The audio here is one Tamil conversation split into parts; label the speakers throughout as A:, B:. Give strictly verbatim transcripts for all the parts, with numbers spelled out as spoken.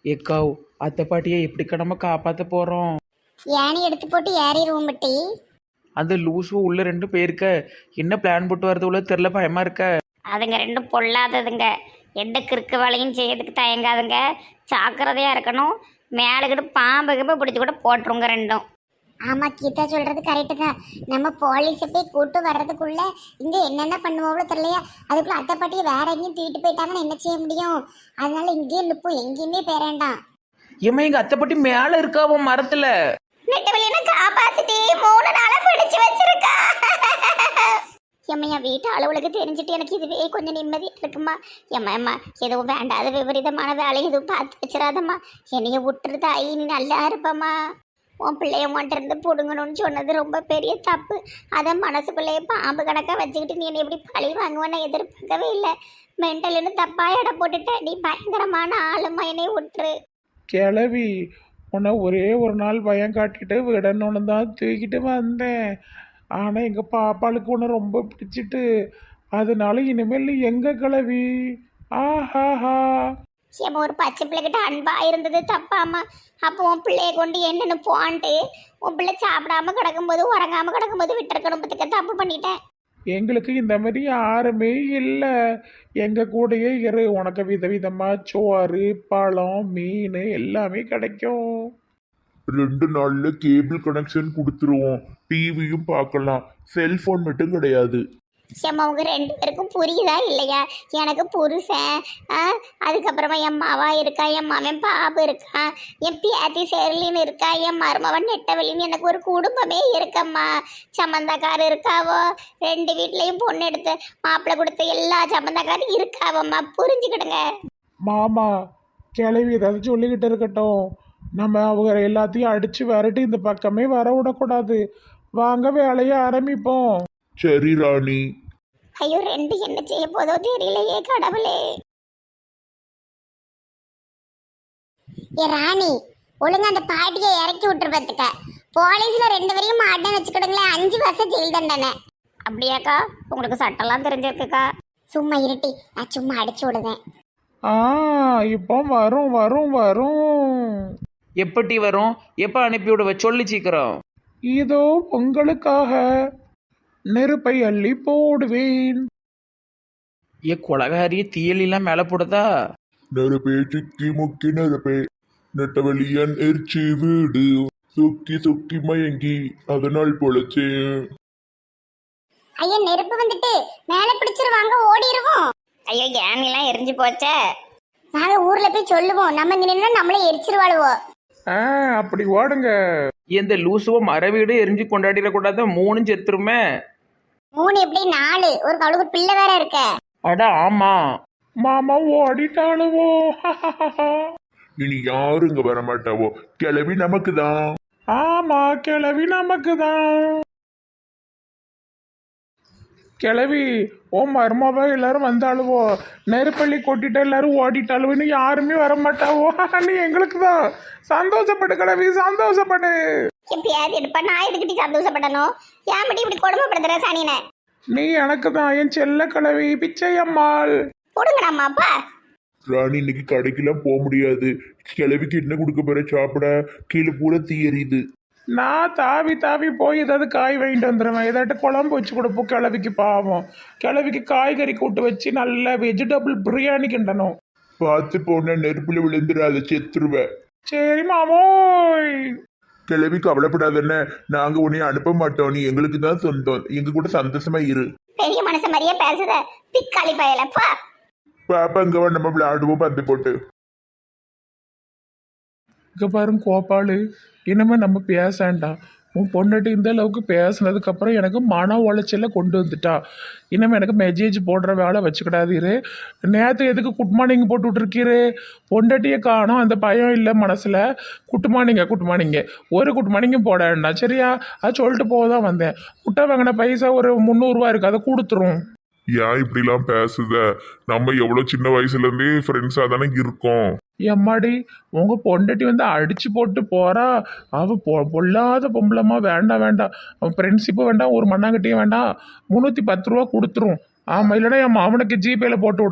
A: ஏக்காவ் அத்தை பாட்டியை எப்படிக்கா நம்ம காப்பாற்ற போகிறோம்?
B: ஏணி எடுத்து போட்டு ஏறிடுவோம் பட்டி.
A: அந்த லூசு உள்ள ரெண்டு பேருக்க என்ன பிளான் போட்டு வரது உள்ள தெரில, பயமா இருக்க.
C: அதுங்க ரெண்டும் பொல்லாததுங்க. எந்த கிறுக்கு வேலையும் செய்யறதுக்கு தயங்காதுங்க. ஜாக்கிரதையா இருக்கணும். மேலுக்கிட்டு பாம்பு கிம்பு பிடிச்சி கூட போட்டுருங்க ரெண்டும்.
B: ஆமா, கீதா சொல்றது கரெக்டு தான். நம்ம போலீஸை போய் கூட்டு வர்றதுக்குள்ள இங்க என்னென்ன பண்ணுவோம்ல தெரியலையா. அதுக்குள்ள அத்தை பாட்டியை வேற எங்கேயும் தூக்கிட்டு போயிட்டாங்கன்னு என்ன செய்ய முடியும்? அதனால இங்கேயே நிற்போம், எங்கேயுமே பேரேண்டாம்.
A: ஏமா எங்க அத்தை பாட்டி மேல இருக்காவோ மரத்துல.
C: நெட்டவெளியில காப்பாத்திட்டே மூணு நாளா பிடிச்சு வச்சிருக்கா. எம்மையா வீட்டு அளவுகளுக்கு தெரிஞ்சுட்டு எனக்கு இதுவே கொஞ்சம் நிம்மதி இருக்குமா. எம்மா எம்மா எதுவும் வேண்டாத விபரீதமான வேலை எதுவும் பார்த்து வச்சிடாதம்மா. என்னைய விட்டுருதா ஐ, நீ நல்லா இருப்பம்மா. உன் பிள்ளைய உன்கிட்ட இருந்து பிடுங்கணும்னு சொன்னது ரொம்ப பெரிய தப்பு. அதை மனசுக்குள்ளேயே பாம்பு கணக்காக வச்சுக்கிட்டு நீ என்னை எப்படி பழி வாங்குவேன்னு எதிர்பார்க்கவே இல்லை. மென்டல்னு தப்பா எடை போட்டுட்ட. நீ பயங்கரமான ஆளுமா, என்னை விட்டுரு.
D: கிளவி உன்னை ஒரே ஒரு நாள் பயம் காட்டிட்டு விடணும்னு தான் தூக்கிட்டு வந்தேன். ஆனால் எங்கள் பாப்பாளுக்கு உன்னை ரொம்ப பிடிச்சிட்டு அதனால இனிமேல் எங்க கிளவி. ஆஹாஹா.
C: ஏமா ஒரு பச்சை பிள்ளைகிட்ட அன்பா இருந்தது தப்பாமா. அப்போ உன் பிள்ளைய கொண்டு என்னன்னு போன்ட்டு உன் பிள்ளை சாப்பிடாம கிடக்கும்போது உறங்காம கிடக்கும்போது விட்டுருக்கணும். பத்துக்க தப்பு பண்ணிட்டேன்.
D: எங்களுக்கு இந்த மாதிரி யாருமே இல்லை. எங்கள் கூடயே இரு, உனக்கு விதவிதமாக சோறு பழம் மீன் எல்லாமே கிடைக்கும்.
E: ரெண்டு நாள்ல கேபிள் கனெக்ஷன் கொடுத்துருவோம். டிவியும் பார்க்கலாம். செல்போன் மட்டும் கிடையாது.
C: ஏம்மா உங்க ரெண்டு பேருக்கும் புரியுதா இல்லையா? எனக்கு புருஷன், அதுக்கப்புறமா என் மாவா இருக்கா, என் மாமன் பாபு இருக்கா, என் பியாத்தி சேரலின்னு இருக்கா, என் மருமவன் நெட்டவெளின்னு எனக்கு ஒரு குடும்பமே இருக்கம்மா. சம்மந்தக்காரர் இருக்காவோ, ரெண்டு வீட்லேயும் பொண்ணு எடுத்து மாப்பிள்ளை கொடுத்த எல்லா சம்மந்தக்காரும் இருக்காவம்மா. புரிஞ்சுக்கிடுங்க.
D: மாமா கிளவி ஏதாவது சொல்லிக்கிட்டு இருக்கட்டும். நம்ம அவங்க எல்லாத்தையும் அடித்து விரட்டி இந்த பக்கமே வர விடக்கூடாது. வாங்க வேலையை ஆரம்பிப்போம்.
E: சரி ராணி.
C: ஐயோ ரெண்டு என்ன செய்ய போதோ தெரியலையே கடவுளே.
B: ஏ ராணி, ஒழுங்கா அந்த பாட்டியை இறக்கி விட்டுரு பார்த்துக்க. போலீஸ்ல ரெண்டு வரையும் மாட்டேன்னு வச்சுக்கிடுங்களேன், அஞ்சு வருஷம் ஜெயில் தண்டனை.
C: அப்படியாக்கா? உங்களுக்கு சட்டம்லாம் தெரிஞ்சிருக்குக்கா?
B: சும்மா இருட்டி, நான் சும்மா அடிச்சு விடுவேன்.
D: ஆ இப்போ வரும் வரும் வரும்.
A: எப்படி வரும்? எப்போ அனுப்பி விடுவ சொல்லி சீக்கிரம்.
D: இதோ உங்களுக்காக நெருப்பை அள்ளி போடுவேன்.
A: ஏ கொலகாரிய தீயலாம் மேலே போடுதா?
E: நெருப்பே சிக்கி முக்கி நெருப்பே நெட்டவெளியன் எரிச்சி வீடு சுக்கி சுக்கி மயங்கி அதனால் பொழைச்சேன்.
B: ஐயா நெருப்பு வந்துட்டு மேல பிடிச்சிருவாங்க, ஓடிடுவோம்.
C: ஐயோ ஏனிலாம் எரிஞ்சு போச்சே.
B: நாங்க ஊர்ல போய் சொல்லுவோம், நம்ம இங்க நின்னா நம்மளே எரிச்சிருவாளுவோம்.
D: ஆ அப்படி ஓடுங்க.
A: இந்த லூசுவோ மரவீடு எரிஞ்சு கொண்டாடிடக்கூடாது, மூணும் செத்துருமே.
B: மூணு எப்படி நாலு? ஒரு அவளுக்கு பிள்ளை வேற இருக்க.
A: அட ஆமா.
D: மாமா ஓடிட்டாளுவோ.
E: இனி யாரும் இங்க வர மாட்டாவோ. கிளவி நமக்கு தான்.
D: ஆமா கிளவி நமக்கு தான். கிளவி ஓ மருமாவா எல்லாரும் வந்தாளுவோ. நெருப்பள்ளி கொட்டிட்டு எல்லாரும் ஓடிட்டாளுவோ. இன்னும் யாருமே வர மாட்டாவோ. நீ எங்களுக்கு தான். சந்தோஷப்படு கிளவி, சந்தோஷப்படு.
C: எப்பயாவது எடுப்பா, நான் எதுக்கிட்டி சந்தோஷப்படணும்? ஏன் மட்டும் இப்படி கொடுமைப்படுத்துற சனினை?
D: நீ எனக்கு தான் என் செல்ல கிளவி பிச்சை அம்மாள்.
C: கொடுங்கடாமாப்பா.
E: ராணி இன்னைக்கு கடைக்கெல்லாம் போக முடியாது. கிளவிக்கு என்ன கொடுக்க போற சாப்பிட? கீழே பூரா தீ எரியுது.
D: நான் தாவி தாவி போய் ஏதாவது காய் வாங்கிட்டு வந்துடுவேன். ஏதாட்டு குழம்பு வச்சு கொடுப்போம் கிளவிக்கு. பாவம் கிளவிக்கு காய்கறி கூட்டு வச்சு நல்ல வெஜிடபிள் பிரியாணி கிண்டணும்.
E: பார்த்து போன நெருப்புல விழுந்துடாத, செத்துருவேன்.
D: சரி மாமோய்.
E: கிளவி கவலைப்படாதன்னு, நாங்க உன்னை அனுப்ப மாட்டோம். நீ எங்களுக்கு தான் சொந்தம். எங்க கூட சந்தோஷமா இரு.
C: பெரிய மனசு மாதிரியே பேசுத பிக்காளி பயலப்பா.
E: பாப்பா இங்க வா, நம்ம விளையாடுவோம் பந்து போட்டு.
D: இங்கே பாருங்க கோபாலு, இனிமேல் நம்ம பேசாண்டா. உன் பொண்டாட்டி இந்த அளவுக்கு பேசுனதுக்கப்புறம் எனக்கு மன உளைச்சல கொண்டு வந்துட்டா. இனிமேல் எனக்கு மெசேஜ் போடுற வேலை வச்சுக்கிடாதீரு. நேற்று எதுக்கு குட் மார்னிங் போட்டு விட்ருக்கீரு? பொண்டாட்டியை காணும், அந்த பயம் இல்லை மனசில். குட் மார்னிங்க குட் மார்னிங்க ஒரு குட் மார்னிங்கும் போட வேண்டாம் சரியா? அது சொல்லிட்டு போக தான் வந்தேன். முட்டை வாங்கின பைசா ஒரு முந்நூறுரூவா இருக்குது, அதை கொடுத்துரும்.
E: ஏன் இப்படிலாம் பேசுத? நம்ம எவ்வளவு சின்ன வயசுல இருந்தே ஃப்ரெண்ட்ஸா தானே இருக்கோம்.
D: எம்மாடி உங்கள் பொண்டாட்டி வந்து அடித்து போட்டு போகிறா. அவள் பொ பொல்லாத பொம்பளமா. வேண்டாம் வேண்டாம், அவன் ஃப்ரெண்ட்ஷிப்பும் வேண்டாம், ஒரு மண்ணாங்கட்டியும் வேண்டாம். முந்நூற்றி பத்து ரூபா கொடுத்துரும். ஆமாம், இல்லைனா என் மாமனுக்கு ஜிபேயில் போட்டு விடும்.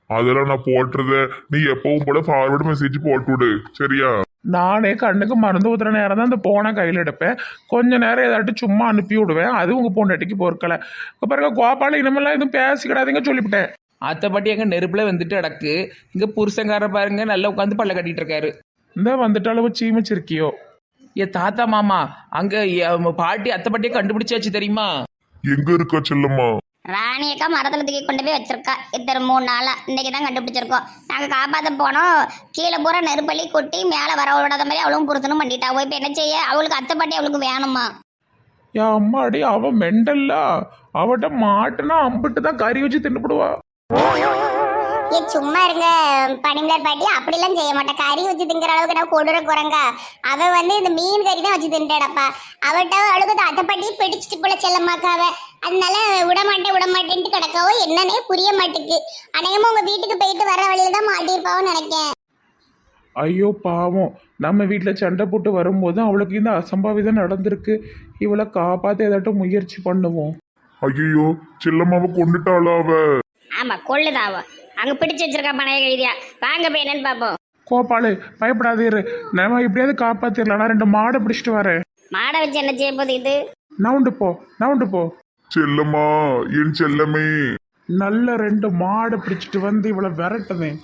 E: அதெல்லாம் நான் போட்டுறத நீ எப்பவும் போல ஃபார்வர்டு மெசேஜ் போட்டு விடு சரியா?
D: நானே கண்ணுக்கு மருந்து ஊத்துற நேரம் தான் அந்த போனை கையில் எடுப்பேன். கொஞ்ச நேரம் ஏதாட்டும் சும்மா அனுப்பி விடுவேன். அது உங்கள் பொண்டாட்டிக்கு பொறுக்கலை. இப்போ பாருங்க கோபால இனிமேல்லாம் எதுவும் பேசிக்கிடாதீங்க சொல்லிவிட்டேன்.
A: அத்தை பாட்டி எங்க நெருப்புல வந்துட்டு அடக்கு. இங்க புருஷங்கார பாருங்க நல்லா உட்காந்து பல்ல கட்டிட்டு இருக்காரு.
D: இந்த வந்துட்டு அளவு சீமிச்சிருக்கியோ.
A: ஏ தாத்தா மாமா அங்க எ- பாட்டி அத்தை பாட்டியை கண்டுபிடிச்சாச்சு தெரியுமா?
E: எங்க இருக்கா செல்லம்மா?
C: ராணி அக்கா மரத்துல தூக்கி கொண்டு போய் வச்சிருக்கா. இத்தனை மூணு நாளா இன்னைக்கு தான் கண்டுபிடிச்சிருக்கோம். நாங்க காப்பாத்த போனோம். கீழே பூரா நெருப்பள்ளி கொட்டி மேல வர விடாத மாதிரி அவளும் புருஷனும் பண்ணிட்டாவோ. இப்ப என்ன செய்ய? அவளுக்கு அத்தை பாட்டி அவளுக்கு வேணுமா?
D: என் அம்மாடி அவ மெண்டல்ல. அவட்ட மாட்டுனா அம்பிட்டு தான் கறி வச்சு தின்னுபிடுவா.
B: ஏ சும்மா இருங்க பனிமலர் பாட்டி, அப்படிலாம் செய்ய மாட்டேன். கறி வச்சு திங்கிற அளவுக்கு நான் கொடூர குரங்கா. அவ வந்து இந்த மீன் கறி தான் வச்சு தின்ட்டாடப்பா. அவட்ட அவளுக்கு அத்தை பாட்டி பிடிச்சிட்டு போல செல்லமாக்காவ. அதனால விடமாட்டேன் விடமாட்டேன்ட்டு கிடக்காவோ என்னன்னே புரிய மாட்டேக்கு. அநேகமா உங்க வீட்டுக்கு போயிட்டு வர வழியில தான் மாட்டியிருப்பாவோன்னு நினைக்கேன்.
D: ஐயோ பாவம், நம்ம வீட்டில் சண்டை போட்டு வரும்போது அவளுக்கு இந்த அசம்பாவிதம் நடந்திருக்கு. இவளை காப்பாற்ற ஏதாட்டும் முயற்சி பண்ணுவோம்.
E: ஐயோ செல்லம்மாவை கொண்டுட்டாளா அவ?
C: ஆமா கொள்ளுதாவோ. அங்க பிடிச்சு வச்சிருக்கா பணைய கைதியா. வாங்க போய் என்னன்னு பாப்போம்.
D: கோபாலு பயப்படாதீரு, நம்ம எப்படியாவது காப்பாத்திரலாம். நான் ரெண்டு மாடை பிடிச்சிட்டு வரேன்.
C: மாடை வச்சு என்ன செய்ய போகுது இது?
D: நவுண்டு போ நவுண்டு போ.
E: செல்லம்மா என் செல்லமே.
D: நல்ல ரெண்டு மாடை பிடிச்சிட்டு வந்து இவளை விரட்டுதேன்.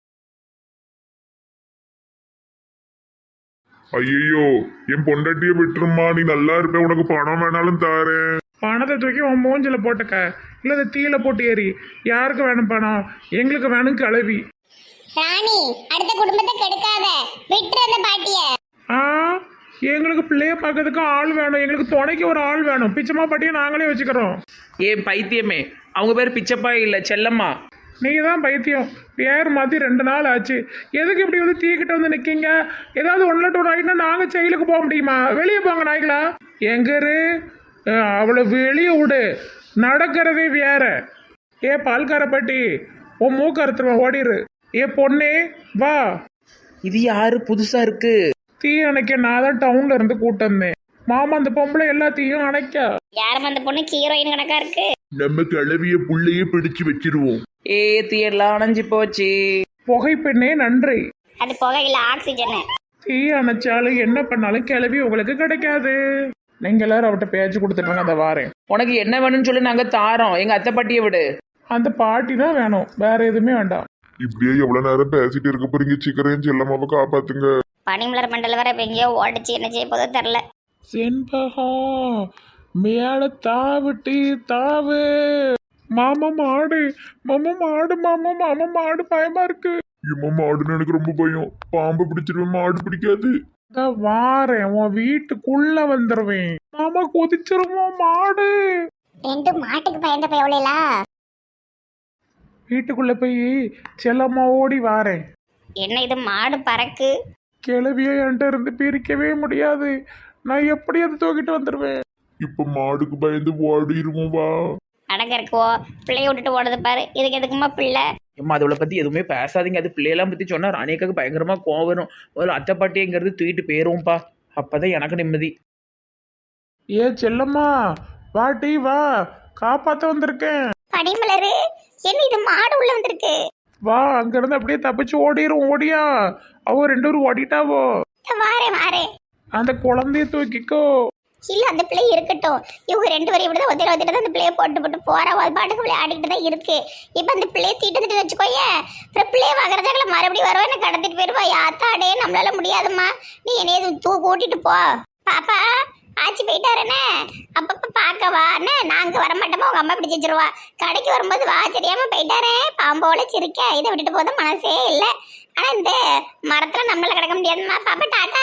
E: ஐயோ என் பொண்டாட்டிய விட்டுருமா, நீ நல்லா இருப்ப, உனக்கு பணம் வேணாலும் தாரேன்.
D: பணத்தை தூக்கி உன் மூஞ்சில போட்டுக்க, இல்லை அதை தீயில போட்டு ஏறி. யாருக்கு வேணும் பணம்? எங்களுக்கு வேணும் கிளவி.
B: ராணி அடுத்த குடும்பத்தை கெடுக்காத, விட்டுரு அந்த பாட்டிய.
D: ஆ எங்களுக்கு பிள்ளைய பார்க்கறதுக்கு ஆள் வேணும். எங்களுக்கு துணைக்கு ஒரு ஆள் வேணும். பிச்சைமா பாட்டியை நாங்களே வச்சுக்கிறோம்.
A: ஏ பைத்தியமே, அவங்க பேர் பிச்சப்பா இல்லை செல்லம்மா.
D: நீங்கள் தான் பைத்தியம். பேர் மாற்றி ரெண்டு நாள் ஆச்சு. எதுக்கு இப்படி வந்து தீக்கிட்ட வந்து நிற்கீங்க? ஏதாவது ஒன்றில் டூ ஆகிட்டுனா நாங்கள் செயலுக்கு போக முடியுமா? வெளியே போங்க நாய்களா. எங்கரு அவளை வெளியே விடு. நடக்கிறதே வேற. ஏ பால்கார பாட்டி, உன் மூக்க அறுத்துருவேன், ஓடிரு. ஏ பொண்ணே வா.
A: இது யாரு புதுசா இருக்கு?
D: தீ அணைக்க நான் தான் டவுன்ல இருந்து கூட்டம் வந்தேன். மாமா அந்த பொம்பளை எல்லாத்தையும் அணைக்க.
C: யாரும் அந்த பொண்ணு ஹீரோயின் கணக்கா இருக்கு.
E: நம்ம கிளவிய புள்ளையே பிடிச்சு வச்சிருவோம்.
A: ஏ தீயெல்லாம் அணைஞ்சு போச்சு.
D: புகைப்பெண்ணே நன்றி.
C: அது புகையில ஆக்சிஜன்.
D: தீ அணைச்சாலும் என்ன பண்ணாலும் கிளவி உங்களுக்கு கிடைக்காது. நீங்க எல்லாரும் அவட்ட பேச்சு கொடுத்துட்டாங்க. அந்த வாரேன்.
A: உனக்கு என்ன வேணும்னு சொல்லி நாங்க தாரோம். எங்க அத்தை பாட்டியை விடு.
D: அந்த பாட்டி தான் வேணும், வேற எதுவுமே வேண்டாம்.
E: இப்படியே எவ்வளவு நேரம் பேசிட்டு இருக்க போறீங்க? சீக்கிரம் செல்லம்மாவை காப்பாத்துங்க.
C: பனிமலர் மண்டல வர இப்ப எங்கேயோ ஓடிச்சு. என்ன செய்ய போதோ தெரில.
D: செண்பகா மேல தாவிட்டு தாவு. மாமா மாடு, மாமா மாடு, மாமா மாமா மாடு, பயமா இருக்கு.
E: இம்மா மாடுன்னு எனக்கு ரொம்ப பயம். பாம்பு பிடிச்சிருவேன், மாடு பிடிக்காது.
D: அதான் வாரேன், உன் வீட்டுக்குள்ள வந்துருவேன். மாமா கொதிச்சிருவோம் மாடு.
B: ரெண்டு மாட்டுக்கு பயந்த பயவலையில
D: வீட்டுக்குள்ள போய் செல்லம்மா ஓடி வாரேன்.
C: என்ன இது மாடு பறக்கு?
D: கிளவிய என்கிட்ட இருந்து பிரிக்கவே முடியாது. நான் எப்படி அதை தூக்கிட்டு வந்துடுவேன்?
E: இப்ப மாடுக்கு பயந்து ஓடிடுவோம் வா.
C: அடங்க இருக்கோ பிள்ளைய விட்டுட்டு ஓடுது பாரு. இதுக்கு எதுக்குமா பிள்ளை?
A: ஏம்மா அதோட பத்தி எதுவுமே பேசாதீங்க. அது பிள்ளையெல்லாம் பத்தி சொன்னா ராணியக்காக்கு பயங்கரமா கோவம் வரும். முதல்ல அத்தை பாட்டிங்கிறது தூக்கிட்டு போயிருவோம்ப்பா. அப்பதான் எனக்கு நிம்மதி.
D: ஏ செல்லம்மா வாட்டி வா, காப்பாத்த வந்திருக்கேன்.
C: பனிமலரு என்ன இது மாடு உள்ள வந்திருக்கு?
D: வா, அங்கிருந்து அப்படியே தப்பிச்சு ஓடிரும். ஓடியா அவ ரெண்டு பேரும் ஓடிட்டாவோ.
C: வாரே வாரே.
D: அந்த குழந்தைய தூக்கிக்கோ.
C: இல்ல அந்த பிள்ளை இருக்கட்டும். இவங்க ரெண்டு பேரும் இப்படிதான் ஒத்திர ஒத்திட்டு அந்த பிள்ளைய போட்டு போட்டு போறா. அது பாட்டுக்கு விளையாடிட்டு தான் இருக்கு. இப்ப அந்த பிள்ளைய தீட்டு வச்சுக்கோயே. அப்புறம் பிள்ளைய வகரச்சாக்கல மறுபடியும் வருவா. என்ன கடத்திட்டு போயிருவா. யாத்தாடே நம்மளால முடியாதுமா. நீ என்னைய தூ கூட்டிட்டு போ. பாப்பா ஆச்சி போயிட்டாருன்னு அப்பப்ப பாக்கவா என்ன? நாங்க வரமாட்டோமா? உங்க அம்மா பிடிச்சி வச்சிருவா. கடைக்கு வரும்போது வா. தெரியாம போயிட்டாரே பாம்போல சிரிக்க. இதை விட்டுட்டு போத மனசே இல்ல. ஆனா இந்த மரத்துல நம்மளால கிடக்க முடியாதுமா. பாப்பா டாட்டா.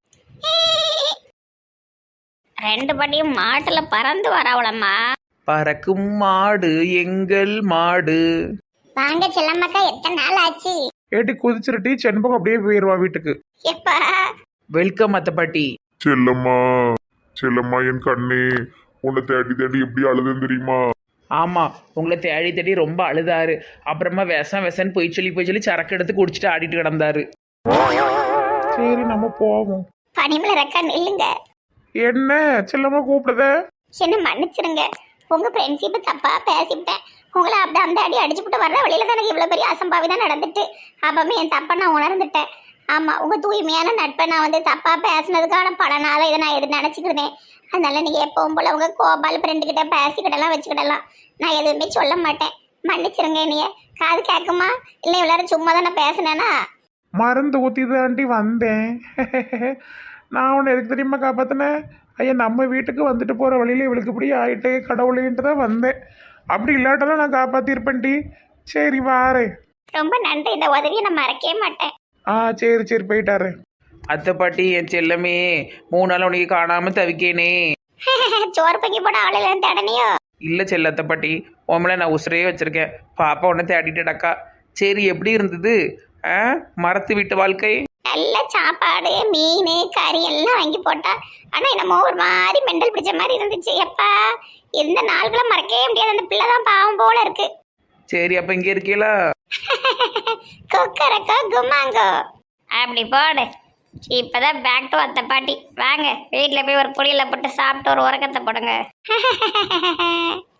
C: ரெண்டு படியும் மாட்டுல பறந்து வரவளம்மா.
A: பறக்கும் மாடு எங்கள் மாடு.
B: வாங்க செல்லம்மாக்கா, எத்தனை நாள் ஆச்சு?
D: ஏட்டி குதிச்சிருட்டி செண்பகம் அப்படியே போயிருவா வீட்டுக்கு.
C: எப்பா
A: வெல்கம் அத்தை பாட்டி.
E: செல்லம்மா செல்லம்மா என் கண்ணே, உன்னை தேடி தேடி எப்படி அழுதுன்னு தெரியுமா?
A: ஆமா, உங்களை தேடி தேடி ரொம்ப அழுதாரு. அப்புறமா விஷம் விஷன்னு போய் சொல்லி போய் சொல்லி சரக்கு எடுத்து குடிச்சிட்டு ஆடிட்டு கிடந்தாரு.
D: சரி நம்ம போவோம்.
C: பனிமலர் அக்கா நில்லுங்க.
D: என்ன செல்லம்மா கூப்பிடுத?
C: என்ன மன்னிச்சிருங்க. உங்க ஃப்ரெண்ட்ஷிப்பை தப்பா பேசிவிட்டேன். உங்களை அப்படி அந்த அடி அடிச்சு விட்டு வர்ற வழியில தான் எனக்கு இவ்வளோ பெரிய அசம்பாவிதம் நடந்துட்டு அப்பவுமே என் தப்பை நான் உணர்ந்துட்டேன். ஆமாம், உங்கள் தூய்மையான நட்பை நான் வந்து தப்பாக பேசினதுக்கான பலனால இதை நான் எது நினச்சிக்கிட்டேன். அதனால நீங்கள் எப்பவும் போல் உங்கள் கோபால் ஃப்ரெண்டுக்கிட்ட பேசிக்கிடலாம் வச்சுக்கிடலாம். நான் எதுவுமே சொல்ல மாட்டேன். மன்னிச்சிருங்க என்னைய. காது கேட்குமா இல்லை எல்லாரும் சும்மா தான் நான் பேசினேன்னா?
D: மருந்து ஊற்றி தாண்டி வந்தேன். நான் உன்னை எதுக்கு தெரியுமா காப்பாற்றினேன்? ஐயா நம்ம வீட்டுக்கு வந்துட்டு போகிற வழியில் இவளுக்கு இப்படி ஆயிட்டு கடவுளேன்ட்டு தான் வந்தேன். அப்படி இல்லாட்டெல்லாம் நான் காப்பாற்றிருப்பேன்டி. சரி வாரேன்.
C: ரொம்ப நன்றி. இந்த உதவியை நான் மறக்கவே மாட்டேன்.
D: ஆ சரி சரி போயிட்டாரு.
A: அத்தை பாட்டி என் செல்லமே மூணு நாள் உனக்கு காணாமல் தவிக்கேனே.
C: சோறு பங்கி போட ஆளுநர் தேடனையோ?
A: இல்லை செல்லத்தை பாட்டி, உங்களை நான் உசுரையே வச்சுருக்கேன். பாப்பா உன்னை தேடிட்டடக்கா. சரி, எப்படி இருந்தது ஆ மரத்து வீட்டு வாழ்க்கை?
C: நல்ல சாப்பாடு, மீன், கறி எல்லாம் வாங்கி போட்டா. ஆனா என்னமோ ஒரு மாதிரி மெண்டல் பிடிச்ச மாதிரி இருந்துச்சு. எப்பா இந்த நாள்களை மறக்கவே முடியாது. அந்த பிள்ளை தான் பாவம் போல இருக்கு.
A: சரி, அப்போ இங்கே இருக்கீங்களா?
C: கொக்கரக்கோ குமாங்கோ அப்படி போடு. இப்பதான் பேக் டு அத்தை பாட்டி. வாங்க வீட்டில் போய் ஒரு புளியில போட்டு சாப்பிட்டு ஒரு உறக்கத்தை போடுங்க.